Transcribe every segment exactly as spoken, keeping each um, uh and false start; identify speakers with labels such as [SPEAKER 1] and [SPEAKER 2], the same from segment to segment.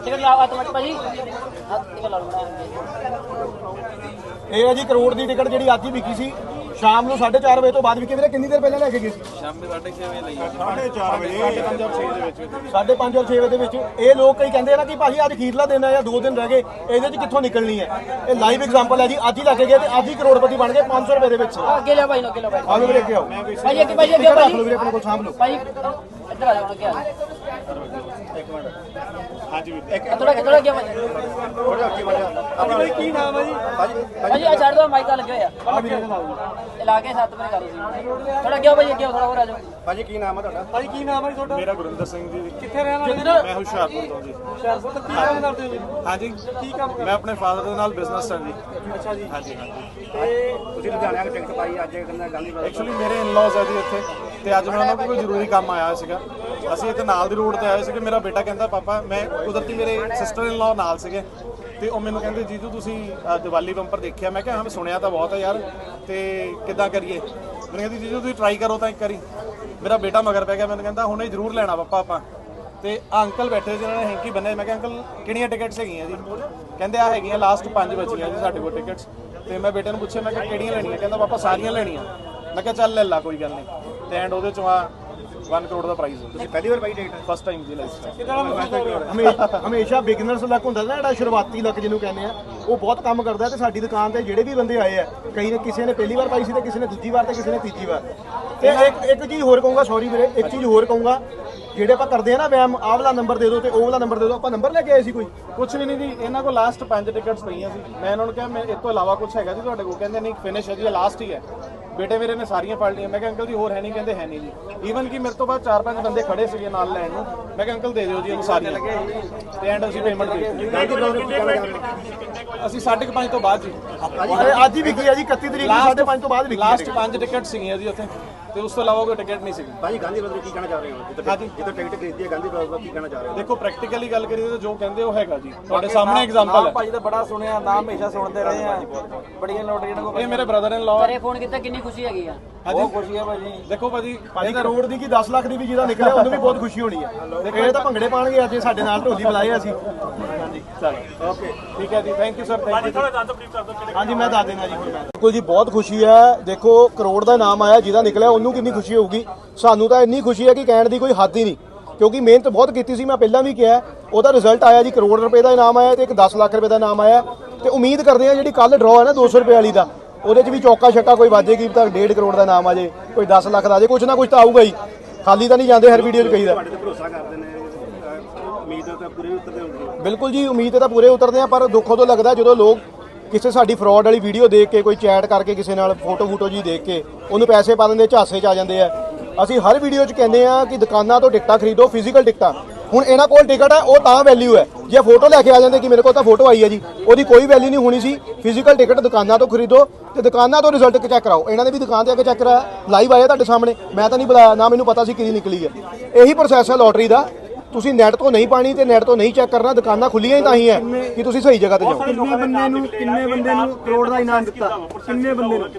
[SPEAKER 1] Ticket ला automatic भाजी ticket ला लूंगा
[SPEAKER 2] ਇਹ ਹੈ ਜੀ ਕਰੋੜ ਦੀ ਟਿਕਟ ਜਿਹੜੀ ਅੱਜ ਹੀ ਵਿਕੀ ਸੀ ਸ਼ਾਮ ਨੂੰ ਸਾਢੇ ਚਾਰ ਵਜੇ ਤੋਂ ਬਾਅਦ ਵਿਕੀ। ਵੀਰੇ ਕਿੰਨੀ ਦੇਰ ਪਹਿਲਾਂ ਲੈ ਕੇ ਗਏ ਸੀ?
[SPEAKER 3] ਸ਼ਾਮ ਦੇ ਸਾਢੇ ਛੇ ਵਜੇ ਲਈ ਸਾਢੇ ਚਾਰ ਵਜੇ ਪੰਜ ਔਰ ਛੇ ਦੇ ਵਿੱਚ
[SPEAKER 2] ਸਾਢੇ ਪੰਜ ਔਰ ਛੇ ਵਜੇ ਦੇ ਵਿੱਚ। ਇਹ ਲੋਕ ਕਈ ਕਹਿੰਦੇ ਆ ਨਾ ਕਿ ਭਾਜੀ ਅੱਜ ਅਖੀਰਲਾ ਦਿਨ ਹੈ ਜਾਂ ਦੋ ਦਿਨ ਰਹਿ ਗਏ, ਇਹਦੇ 'ਚ ਕਿੱਥੋਂ ਨਿਕਲਣੀ ਹੈ। ਇਹ ਲਾਈਵ ਐਗਜ਼ਾਮਪਲ ਹੈ ਜੀ, ਅੱਜ ਹੀ ਲੈ ਕੇ ਗਏ ਤੇ ਅੱਜ ਹੀ ਕਰੋੜਪਤੀ ਬਣ ਗਏ ਪੰਜ ਸੌ ਰੁਪਏ ਦੇ ਵਿੱਚ।
[SPEAKER 1] ਅੱਗੇ ਲਿਆ ਭਾਈ ਨੂੰ ਅੱਗੇ ਲਿਆ ਭਾਈ
[SPEAKER 2] ਆਲੂ ਵੀਰੇ ਅੱਗੇ ਆਓ
[SPEAKER 1] ਭਾਈ ਅੱਗੇ ਭਾਈ ਅੱਗੇ
[SPEAKER 2] ਰੱਖ
[SPEAKER 1] ਭਾਈ
[SPEAKER 2] ਲਓ ਵੀਰੇ ਆਪਣੇ ਕੋਲ ਸਾਂਭ ਲਓ।
[SPEAKER 1] ਭਾਈ ਇੱਧਰ ਆ ਜਾਓ ਅੱਗੇ ਆ
[SPEAKER 3] ਇੱਕ ਮਿੰਟ ਹਾਂਜੀ ਵੀ ਇੱਕ
[SPEAKER 1] ਥੋੜਾ ਥੋੜਾ ਅੱਗੇ ਭਾਈ
[SPEAKER 3] ਥੋੜਾ ਅੱਗੇ ਵਧਿਆ ਆਪਣਾ ਕੀ ਨਾਮ ਹੈ ਜੀ? ਭਾਜੀ
[SPEAKER 1] ਭਾਜੀ ਆ ਛੱਡ ਦੋ ਮਾਈਕ ਲੱਗੇ ਹੋਇਆ
[SPEAKER 2] ਆ ਵੀਰੇ ਨਾਲ ਆਓ
[SPEAKER 1] ਲਾ ਕੇ ਸੱਤ ਵਜੇ ਕਰੋ ਸੀ ਥੋੜਾ ਅੱਗੇ ਭਾਈ ਅੱਗੇ ਥੋੜਾ ਹੋਰ ਆ ਜਾਓ
[SPEAKER 3] ਭਾਜੀ ਕੀ ਨਾਮ ਹੈ ਤੁਹਾਡਾ?
[SPEAKER 2] ਭਾਜੀ ਕੀ ਨਾਮ ਹੈ ਜੀ ਤੁਹਾਡਾ?
[SPEAKER 3] ਮੇਰਾ ਗੁਰਿੰਦਰ ਸਿੰਘ ਜੀ।
[SPEAKER 2] ਕਿੱਥੇ ਰਹਿਣ ਵਾਲੇ?
[SPEAKER 3] ਮੈਂ ਹੁਸ਼ਿਆਰਪੁਰ ਤੋਂ ਜੀ।
[SPEAKER 2] ਹੁਸ਼ਿਆਰਪੁਰ ਤੋਂ। ਕੀ ਕੰਮ ਕਰਦੇ ਹੋ ਜੀ?
[SPEAKER 3] ਹਾਂਜੀ
[SPEAKER 2] ਕੀ ਕੰਮ
[SPEAKER 3] ਮੈਂ ਆਪਣੇ ਫਾਦਰ ਦੇ ਨਾਲ ਬਿਜ਼ਨਸ ਹੈ ਜੀ।
[SPEAKER 2] ਅੱਛਾ ਜੀ।
[SPEAKER 3] ਹਾਂਜੀ ਹਾਂਜੀ
[SPEAKER 2] ਤੇ
[SPEAKER 4] ਤੁਸੀਂ ਲੁਧਿਆਣੇ ਆ ਕੇ ਟਿਕਟ ਪਾਈ ਅੱਜ ਕਹਿੰਦਾ ਗਾਂਧੀ
[SPEAKER 3] ਐਕਚੁਅਲੀ ਮੇਰੇ ਇਨ-ਲॉज ਹੈ ਜੀ ਇੱਥੇ ਤੇ ਅੱਜ ਮੈਂ ਉਹਨਾਂ ਕੋਲ ਕੋਈ ਜ਼ਰੂਰੀ ਕੰਮ ਆਇਆ ਸੀਗਾ। ਅਸੀਂ ਇੱਥੇ ਨਾਲ ਦੀ ਰੋਡ ਤੇ ਆਏ ਸੀਗੇ। ਮੇਰਾ ਬੇਟਾ ਕਹਿੰਦਾ ਪਾਪਾ ਮੈਂ ਕੁਦਰਤੀ ਮੇਰੇ ਸਿਸਟਰ ਇਨ-ਲॉ ਨਾਲ ਸੀਗੇ ਤੇ ਉਹ ਮੈਨੂੰ ਕਹਿੰਦੇ ਜੀਜੂ ਤੁਸੀਂ ਦੀਵਾਲੀ ਬੰਪਰ ਦੇਖਿਆ? ਮੈਂ ਕਿਹਾ ਹਾਂ ਮੈਂ ਸੁਣਿਆ ਤਾਂ ਬਹੁਤ ਹੈ ਯਾਰ ਤੇ ਕਿੱਦਾਂ ਕਰੀਏ? ਮੈਨੂੰ ਕਹਿੰਦੀ ਜੀਜੂ ਤੁਸੀਂ ਟਰਾਈ ਕਰੋ ਤਾਂ ਇੱਕ ਵਾਰੀ। ਮੇਰਾ ਬੇਟਾ ਮਗਰ ਪੈ ਗਿਆ, ਮੈਨੂੰ ਕਹਿੰਦਾ ਹੁਣੇ ਜ਼ਰੂਰ ਲੈਣਾ ਪਾਪਾ ਆਪਾਂ। ਤੇ ਆ ਅੰਕਲ ਬੈਠੇ ਜਿਹਨਾਂ ਨੇ ਹੈਂਕੀ ਬੰਨੇ। ਮੈਂ ਕਿਹਾ ਅੰਕਲ ਕਿਹੜੀਆਂ ਟਿਕਟਸ ਹੈਗੀਆਂ ਜੀ? ਕਹਿੰਦੇ ਆ ਹੈਗੀਆਂ ਲਾਸਟ ਪੰਜ ਬਚੀਆਂ ਜੀ ਸਾਡੇ ਕੋਲ ਟਿਕਟਸ। ਤੇ ਮੈਂ ਬੇਟੇ ਨੂੰ ਪੁੱਛਿਆ ਮੈਂ ਕਿਹਾ ਕਿਹੜੀਆਂ ਲੈਣੀਆਂ? ਕਹਿੰਦਾ ਪਾਪਾ ਸਾਰੀਆਂ ਲੈਣੀਆਂ। ਮੈਂ ਕਿਹਾ ਚੱਲ ਲੈ ਲਾ ਕੋਈ ਗੱਲ ਨਹੀਂ। ਤੇ ਐਂਡ ਉਹਦੇ ਚੋਂ ਆ ਇੱਕ ਕਰੋੜ ਦਾ ਪ੍ਰਾਈਜ਼ ਹੈ।
[SPEAKER 4] ਤੁਸੀਂ ਪਹਿਲੀ ਵਾਰ ਪਾਈ ਟਿਕਟ?
[SPEAKER 3] ਫਸਟ ਟਾਈਮ ਜੀ ਲਾਈਫ
[SPEAKER 2] ਹਮੇਸ਼ਾ ਹਮੇਸ਼ਾ ਬਿਗਨਰਸ ਲੱਕ ਹੁੰਦਾ ਨਾ, ਜਿਹੜਾ ਸ਼ੁਰੂਆਤੀ ਲੱਕ ਜਿਹਨੂੰ ਕਹਿੰਦੇ ਆ, ਉਹ ਬਹੁਤ ਕੰਮ ਕਰਦਾ। ਤੇ ਸਾਡੀ ਦੁਕਾਨ ਤੇ ਜਿਹੜੇ ਵੀ ਬੰਦੇ ਆਏ ਆ, ਕਈ ਨੇ ਕਿਸੇ ਨੇ ਪਹਿਲੀ ਵਾਰ ਪਾਈ ਸੀ ਤੇ ਕਿਸੇ ਨੇ ਦੂਜੀ ਵਾਰ ਤੇ ਕਿਸੇ ਨੇ ਤੀਜੀ ਵਾਰ। ਤੇ ਇੱਕ ਇੱਕ ਚੀਜ਼ ਹੋਰ ਕਹੂੰਗਾ, ਸੌਰੀ ਵੀਰੇ, ਇੱਕ ਚੀਜ਼ ਹੋਰ ਕਹੂੰਗਾ, ਜਿਹੜੇ ਆਪਾਂ ਕਰਦੇ ਆ ਨਾ ਵੈਮ, ਆਹ ਵਾਲਾ ਨੰਬਰ ਦੇ ਦਿਓ ਤੇ ਉਹ ਵਾਲਾ ਨੰਬਰ ਦੇ ਦਿਓ, ਆਪਾਂ ਨੰਬਰ ਲੈ ਕੇ ਆਏ ਸੀ ਕੋਈ?
[SPEAKER 3] ਕੁਝ ਵੀ ਨਹੀਂ ਜੀ। ਇਹਨਾਂ ਕੋਲ ਲਾਸਟ ਪੰਜ ਟਿਕਟਸ ਪਈਆਂ ਸੀ। ਮੈਂ ਇਹਨਾਂ ਨੂੰ ਕਿਹਾ ਮੈਂ ਇਸ ਤੋਂ ਇਲਾਵਾ ਕੁਝ ਹੈਗਾ ਜੀ ਤੁਹਾਡੇ ਕੋਲ? ਕਹਿੰਦੇ ਨਹੀਂ ਫਿਨਿਸ਼ ਹੈ ਜੀ, ਲਾਸਟ ਹੀ ਹੈ। ਬੇਟੇ ਮੇਰੇ ਨੇ ਸਾਰੀਆਂ ਫੜ ਲਈਆਂ। ਮੈਂ ਕਿਹਾ ਅੰਕਲ ਜੀ ਹੋਰ ਹੈ ਨਹੀਂ? ਕਹਿੰਦੇ ਹੈ ਨਹੀਂ ਜੀ। ਈਵਨ ਕਿ ਮੇਰੇ ਤੋਂ ਬਾਅਦ ਚਾਰ ਪੰਜ ਬੰਦੇ ਖੜੇ ਸੀਗੇ ਨਾਲ ਲੈਣ ਨੂੰ। ਮੈਂ ਕਿਹਾ ਅੰਕਲ ਦੇ ਦਿਓ ਜੀ ਇਹਨੂੰ ਸਾਰੀਆਂ। ਤੇ ਐਂਡ ਅਸੀਂ ਪੇਮੈਂਟ ਦੇ ਦਿੱਤੀ। ਅਸੀਂ ਸਾਢੇ ਪੰਜ ਤੋਂ ਬਾਅਦ ਜੀ
[SPEAKER 2] ਅੱਜ ਹੀ ਵਿਕੀ ਆ ਜੀ, ਇਕੱਤੀ ਤਰੀਕ ਨੂੰ ਸਾਢੇ ਪੰਜ ਤੋਂ ਬਾਅਦ ਵਿਕੀ।
[SPEAKER 3] ਲਾਸਟ ਪੰਜ ਟਿਕਟ ਸੀਗੀਆਂ ਜੀ ਉੱਥੇ ਤੇ ਉਸ ਤੋਂ ਇਲਾਵਾ ਕੋਈ ਟਿਕਟ ਨਹੀਂ ਸੀਗੀ।
[SPEAKER 4] ਭਾਜੀ ਗਾਂਧੀ ਬ੍ਰਦਰ ਕੀ ਕਹਿਣਾ ਚਾਹ ਰਹੇ ਹੋ?
[SPEAKER 3] ਹਾਂਜੀ
[SPEAKER 4] ਜਿੱਥੇ ਟਿਕਟ ਖਰੀਦੀ ਹੈ ਗਾਂਧੀ ਬ੍ਰਦਰ ਕੀ ਕਹਿਣਾ ਚਾਹ ਰਹੇ ਹੋ?
[SPEAKER 3] ਦੇਖੋ ਪ੍ਰੈਕਟੀਕਲੀ ਗੱਲ ਕਰੀਏ ਤਾਂ ਜੋ ਕਹਿੰਦੇ ਉਹ ਹੈਗਾ ਜੀ, ਤੁਹਾਡੇ ਸਾਹਮਣੇ ਐਗਜ਼ਾਮਪਲ ਹੈ।
[SPEAKER 5] ਭਾਜੀ ਤਾਂ ਬੜਾ ਸੁਣਿਆ ਨਾਮ, ਹਮੇਸ਼ਾ ਸੁਣਦੇ ਰਹੇ ਆ, ਬੜੀਆਂ ਲੋਟਰੀਆਂ ਕੋ।
[SPEAKER 3] ਇਹ ਮੇਰੇ ਬ੍ਰਦਰ ਇਨ ਲਾਅ।
[SPEAKER 1] ਘਰੇ ਫੋਨ ਕੀਤਾ ਕਿੰਨੀ ਖੁਸ਼ੀ ਹੈਗੀ ਆ?
[SPEAKER 5] ਬਹੁਤ ਖੁਸ਼ੀ ਹੈ ਭਾਜੀ।
[SPEAKER 3] ਦੇਖੋ ਭਾਜੀ
[SPEAKER 2] ਭਾਜੀ ਕਰੋੜ ਦੀ ਕੀ ਦਸ ਲੱਖ ਦੀ ਵੀ ਜਿਹਦਾ ਨਿਕਲਿਆ ਉਹਨੂੰ ਵੀ ਬਹੁਤ ਖੁਸ਼ੀ ਹੋਣੀ ਹੈ। ਇਹ ਤਾਂ ਭੰਗੜੇ ਪਾਣਗੇ ਅੱਜ ਸਾਡੇ ਨਾਲ, ਢੋਲੀ ਬੁਲਾਏ ਅਸੀਂ। ਹਾਂਜੀ
[SPEAKER 3] ਚਲੋ ਓਕੇ ਠੀਕ ਹੈ ਜੀ, thank you sir, thank you.
[SPEAKER 2] ਹਾਂਜੀ ਮੈਂ ਦੱਸ ਦੇਣਾ ਜੀ ਹੁਣ ਮੈਂ। ਬਿਲਕੁਲ ਜੀ, ਬਹੁਤ ਖੁਸ਼ੀ ਹੈ। ਦੇਖੋ ਕਰੋੜ ਦਾ ਨਾਮ ਆਇਆ, ਜਿਹਦਾ ਨਿਕਲਿਆ ਉਹਨੂੰ ਕਿੰਨੀ ਖੁਸ਼ੀ ਹੋਊਗੀ। ਸਾਨੂੰ ਤਾਂ ਇੰਨੀ ਖੁਸ਼ੀ ਹੈ ਕਿ ਕਹਿਣ ਦੀ ਕੋਈ ਹੱਦ ਹੀ ਨਹੀਂ, ਕਿਉਂਕਿ ਮਿਹਨਤ ਬਹੁਤ ਕੀਤੀ ਸੀ। ਮੈਂ ਪਹਿਲਾਂ ਵੀ ਕਿਹਾ, ਉਹਦਾ ਰਿਜ਼ਲਟ ਆਇਆ ਜੀ, ਕਰੋੜ ਰੁਪਏ ਦਾ ਇਨਾਮ ਆਇਆ ਤੇ ਇੱਕ ਦਸ ਲੱਖ ਰੁਪਏ ਦਾ ਇਨਾਮ ਆਇਆ। ਤੇ ਉਮੀਦ ਕਰਦੇ ਹਾਂ ਜਿਹੜੀ ਕੱਲ ਡਰਾਅ ਹੈ ਨਾ ਦੋ ਸੌ ਰੁਪਏ ਵਾਲੀ ਦਾ, ਉਹਦੇ 'ਚ ਵੀ ਚੌਕਾ ਛੱਕਾ ਕੋਈ ਵਾਜੇਗੀ ਤਾਂ ਡੇਢ ਕਰੋੜ ਦਾ ਇਨਾਮ ਆ ਜੇ, ਕੋਈ ਦਸ ਲੱਖ ਦਾ ਆ ਜੇ, ਕੁਛ ਨਾ ਕੁਛ ਤਾਂ ਆਊਗਾ ਹੀ। ਖਾਲੀ ਤਾਂ ਨਹੀਂ ਜਾਂਦੇ ਹਰ ਵੀਡੀਓ 'ਚ ਕਹੀਦਾ।
[SPEAKER 4] ਤੁਹਾਡੇ ਤੇ ਭਰੋਸਾ ਕਰਦੇ ਨੇ, ਉਮੀਦ ਤਾਂ ਪੂਰੇ ਉਤਰਦੇ ਹੁੰਦੇ।
[SPEAKER 2] ਬਿਲਕੁਲ ਜੀ, ਉਮੀਦ ਤੇ ਤਾਂ ਪੂਰੇ ਉਤਰਦੇ ਆ, ਪਰ ਦੁੱਖ ਉਦੋਂ ਲੱਗਦਾ ਜਦੋਂ ਲੋਕ ਕਿਸੇ ਸਾਡੀ ਫਰਾਡ ਵਾਲੀ ਵੀਡੀਓ ਦੇਖ ਕੇ, ਕੋਈ ਚੈਟ ਕਰਕੇ ਕਿਸੇ ਨਾਲ ਫੋਟੋ ਫੋਟੋ ਜੀ ਦੇਖ ਕੇ ਉਹਨੂੰ ਪੈਸੇ ਪਾ ਦਿੰਦੇ, ਝਾਸੇ 'ਚ ਆ ਜਾਂਦੇ ਆ। ਅਸੀਂ ਹਰ ਵੀਡੀਓ 'ਚ ਕਹਿੰਦੇ ਆ ਕਿ ਦੁਕਾਨਾਂ ਤੋਂ ਟਿਕਟਾਂ ਖਰੀਦੋ, ਫਿਜ਼ੀਕਲ ਟਿਕਟਾਂ। ਹੁਣ ਇਹਨਾਂ ਕੋਲ ਟਿਕਟ ਹੈ, ਉਹ ਤਾਂ ਵੈਲਿਊ ਹੈ। ਜੇ ਫੋਟੋ ਲੈ ਕੇ ਆ ਜਾਂਦੇ ਕਿ ਮੇਰੇ ਕੋਲ ਤਾਂ ਫੋਟੋ ਆਈ ਹੈ ਜੀ, ਉਹਦੀ ਕੋਈ ਵੈਲਿਊ ਨਹੀਂ ਹੋਣੀ ਸੀ। ਫਿਜ਼ੀਕਲ ਟਿਕਟ ਦੁਕਾਨਾਂ ਤੋਂ ਖਰੀਦੋ ਤੇ ਦੁਕਾਨਾਂ ਤੋਂ ਰਿਜ਼ਲਟ ਚੈੱਕ ਕਰਾਓ। ਇਹਨਾਂ ਨੇ ਵੀ ਦੁਕਾਨ ਤੇ ਆ ਕੇ ਚੈੱਕ ਕਰਾਇਆ, ਲਾਈਵ ਆਇਆ ਤੁਹਾਡੇ ਸਾਹਮਣੇ। ਮੈਂ ਤਾਂ ਨਹੀਂ ਬੁਲਾਇਆ, ਨਾ ਮੈਨੂੰ ਪਤਾ ਸੀ ਕਿਹਦੀ ਨਿਕਲੀ ਹੈ। ਇਹੀ ਪ੍ਰੋਸੈਸ ਹੈ ਲੋਟਰੀ ਦਾ। ਤੁਸੀਂ ਨੈਟ ਤੋਂ ਨਹੀਂ ਪਾਣੀ ਤੇ ਨੈਟ ਤੋਂ ਨਹੀਂ ਚੈੱਕ ਕਰਨਾ। ਦੁਕਾਨਾਂ ਖੁੱਲੀਆਂ ਹੀ ਤਾਂ ਹੀ ਹੈ ਕਿ ਤੁਸੀਂ ਸਹੀ ਜਗ੍ਹਾ ਤੇ ਜਾਓ।
[SPEAKER 5] ਕਿੰਨੇ ਬੰਦੇ ਨੂੰ ਕਿੰਨੇ ਬੰਦੇ ਨੂੰ ਕਰੋੜ ਦਾ ਇਨਾਮ ਦਿੱਤਾ? ਕਿੰਨੇ ਬੰਦੇ ਨੂੰ?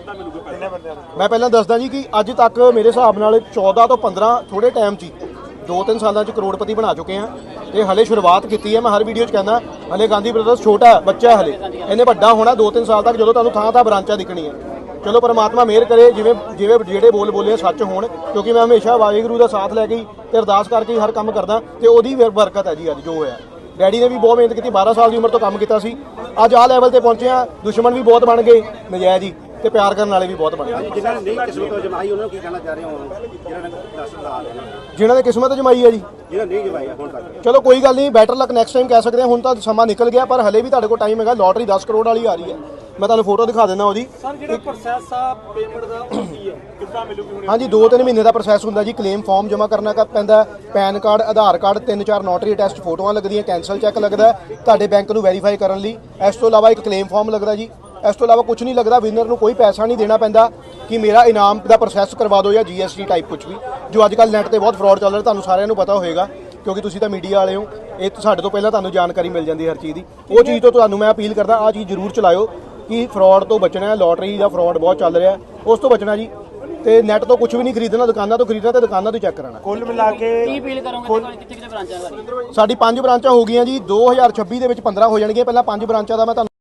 [SPEAKER 2] ਮੈਂ ਪਹਿਲਾਂ ਦੱਸਦਾ ਜੀ ਕਿ ਅੱਜ ਤੱਕ ਮੇਰੇ ਹਿਸਾਬ ਨਾਲ ਚੌਦਾਂ ਤੋਂ ਪੰਦਰਾਂ ਥੋੜੇ ਟਾਈਮ 'ਚ ਹੀ ਦੋ ਤਿੰਨ ਸਾਲਾਂ 'ਚ ਕਰੋੜਪਤੀ ਬਣਾ ਚੁੱਕੇ ਆ। ਤੇ ਹਲੇ ਸ਼ੁਰੂਆਤ ਕੀਤੀ ਹੈ। ਮੈਂ ਹਰ ਵੀਡੀਓ 'ਚ ਕਹਿੰਦਾ ਹਲੇ ਗਾਂਧੀ ਬ੍ਰਦਰਸ ਛੋਟਾ ਹੈ, ਬੱਚਾ ਹੈ ਹਲੇ, ਇਹਨੇ ਵੱਡਾ ਹੋਣਾ ਦੋ ਤਿੰਨ ਸਾਲ ਤੱਕ, ਜਦੋਂ ਤੁਹਾਨੂੰ ਥਾਂ ਥਾਂ ਬ੍ਰਾਂਚਾਂ ਦਿਖਣੀ ਹੈ। ਚਲੋ ਪਰਮਾਤਮਾ ਮਿਹਰ ਕਰੇ, ਜਿਵੇਂ ਜਿਵੇਂ ਜਿਹੜੇ ਬੋਲ ਬੋਲੇ ਸੱਚ ਹੋਣ, ਕਿਉਂਕਿ ਮੈਂ ਹਮੇਸ਼ਾ ਵਾਹਿਗੁਰੂ ਦਾ ਸਾਥ ਲੈ ਕੇ ਤੇ ਅਰਦਾਸ ਕਰਕੇ ਹੀ ਹਰ ਕੰਮ ਕਰਦਾ ਤੇ ਉਹਦੀ ਬਰਕਤ ਹੈ ਜੀ ਅੱਜ ਜੋ ਹੋਇਆ। ਡੈਡੀ ਨੇ ਵੀ ਬਹੁਤ ਮਿਹਨਤ ਕੀਤੀ, ਬਾਰਾਂ ਸਾਲ ਦੀ ਉਮਰ ਤੋਂ ਕੰਮ ਕੀਤਾ ਸੀ, ਅੱਜ ਆਹ ਲੈਵਲ ਤੇ ਪਹੁੰਚੇ ਆ। ਦੁਸ਼ਮਣ ਵੀ ਬਹੁਤ ਬਣ ਗਏ ਨਜਾਇਜ਼ ਹੀ, ਤੇ ਪਿਆਰ ਕਰਨ ਵਾਲੇ ਵੀ ਬਹੁਤ ਬਣ ਗਏ।
[SPEAKER 4] ਜਿਨ੍ਹਾਂ ਨੇ ਨਹੀਂ ਕਿਸਮਤ ਜਮਾਈ ਉਹਨਾਂ ਨੂੰ ਕੀ ਕਹਿਣਾ ਚਾਹ ਰਹੇ ਹੋ? ਜਿਨ੍ਹਾਂ ਨੇ ਦਸ ਸਾਲ
[SPEAKER 2] ਜਿਨ੍ਹਾਂ ਨੇ ਕਿਸਮਤ ਜਮਾਈ ਹੈ ਜੀ,
[SPEAKER 4] ਜਿਹਨਾਂ ਨਹੀਂ ਜਮਾਈ ਹੁਣ ਤੱਕ,
[SPEAKER 2] ਚਲੋ ਕੋਈ ਗੱਲ ਨਹੀਂ, ਬੈਟਰ ਲੱਕ ਨੈਕਸਟ ਟਾਈਮ ਕਹਿ ਸਕਦੇ ਹਾਂ। ਹੁਣ ਤਾਂ ਸਮਾਂ ਨਿਕਲ ਗਿਆ, ਪਰ ਹਲੇ ਵੀ ਤੁਹਾਡੇ ਕੋਲ ਟਾਈਮ ਹੈਗਾ। ਲੋਟਰੀ ਦਸ ਕਰੋੜ ਵਾਲੀ ਆ ਰਹੀ ਹੈ, ਮੈਂ ਤੁਹਾਨੂੰ ਫੋਟੋ ਦਿਖਾ ਦਿੰਦਾ ਉਹਦੀ।
[SPEAKER 5] ਸਰ ਜਿਹੜਾ ਪ੍ਰੋਸੈਸ ਆ ਪੇਮੈਂਟ ਦਾ ਉਹ ਕੀ ਹੈ, ਕਿੱਦਾਂ ਮਿਲੂਗੀ ਹੁਣ?
[SPEAKER 2] ਹਾਂਜੀ, ਦੋ ਤਿੰਨ ਮਹੀਨੇ ਦਾ ਪ੍ਰੋਸੈਸ ਹੁੰਦਾ ਜੀ। ਕਲੇਮ ਫਾਰਮ ਜਮ੍ਹਾਂ ਕਰਨਾ ਪੈਂਦਾ, ਪੈਨ ਕਾਰਡ, ਆਧਾਰ ਕਾਰਡ, ਤਿੰਨ ਚਾਰ ਨੋਟਰੀ ਟੈਸਟ, ਫੋਟੋਆਂ ਲੱਗਦੀਆਂ, ਕੈਂਸਲ ਚੈੱਕ ਲੱਗਦਾ ਤੁਹਾਡੇ ਬੈਂਕ ਨੂੰ ਵੈਰੀਫਾਈ ਕਰਨ ਲਈ। ਇਸ ਤੋਂ ਇਲਾਵਾ ਇੱਕ ਕਲੇਮ ਫਾਰਮ ਲੱਗਦਾ ਜੀ। ਇਸ ਤੋਂ ਇਲਾਵਾ ਕੁਝ ਨਹੀਂ ਲੱਗਦਾ। ਵਿਨਰ ਨੂੰ ਕੋਈ ਪੈਸਾ ਨਹੀਂ ਦੇਣਾ ਪੈਂਦਾ ਕਿ ਮੇਰਾ ਇਨਾਮ ਦਾ ਪ੍ਰੋਸੈਸ ਕਰਵਾ ਦਿਓ ਜਾਂ ਜੀਐਸਟੀ ਟਾਈਪ ਕੁਝ ਵੀ, ਜੋ ਅੱਜ ਕੱਲ੍ਹ ਨੈੱਟ ਤੇ ਬਹੁਤ ਫਰਾਡ ਚੱਲ ਰਿਹਾ। ਤੁਹਾਨੂੰ ਸਾਰਿਆਂ ਨੂੰ ਪਤਾ ਹੋਏਗਾ ਕਿਉਂਕਿ ਤੁਸੀਂ ਤਾਂ ਮੀਡੀਆ ਵਾਲੇ ਹੋ। ਇਹ ਸਾਡੇ ਤੋਂ ਪਹਿਲਾਂ ਤੁਹਾਨੂੰ ਜਾਣਕਾਰੀ ਮਿਲ ਜਾਂਦੀ ਹਰ ਚੀਜ਼ ਦੀ। ਉਹ ਚੀਜ਼ ਤੋਂ ਤੁਹਾਨੂੰ ਮੈਂ ਅਪੀਲ ਕਰਦਾ, ਆਹ ਚੀਜ਼ ਜ਼ਰੂਰ ਚਲਾਇਓ ਕਿ ਫਰਾਡ ਤੋਂ ਬਚਣਾ ਹੈ। ਲੋਟਰੀ ਦਾ ਫਰਾਡ ਬਹੁਤ ਚੱਲ ਰਿਹਾ, ਉਸ ਤੋਂ ਬਚਣਾ ਜੀ। ਤੇ ਨੈਟ ਤੋਂ ਕੁਝ ਵੀ ਨਹੀਂ ਖਰੀਦਣਾ, ਦੁਕਾਨਾਂ ਤੋਂ ਖਰੀਦਣਾ ਤੇ ਦੁਕਾਨਾਂ ਤੋਂ ਚੈੱਕ ਕਰਾਉਣਾ।
[SPEAKER 5] ਕੁੱਲ ਮਿਲਾ ਕੇ
[SPEAKER 1] ਕੀ ਅਪੀਲ ਕਰੋਗੇ ਦੇਖੋ ਕਿੱਥੇ ਕਿੱਥੇ ਬ੍ਰਾਂਚਾਂ ਸਾਡੀ
[SPEAKER 2] ਸਾਡੀ ਪੰਜ ਬ੍ਰਾਂਚਾਂ ਹੋ ਗਈਆਂ ਜੀ, ਦੋ ਹਜ਼ਾਰ ਛੱਬੀ ਦੇ ਵਿੱਚ ਪੰਦਰਾਂ ਹੋ ਜਾਣਗੀਆਂ। ਪਹਿਲਾਂ ਪੰਜ ਬ੍ਰਾਂਚਾਂ ਦਾ ਮੈਂ ਤੁਹਾਨੂੰ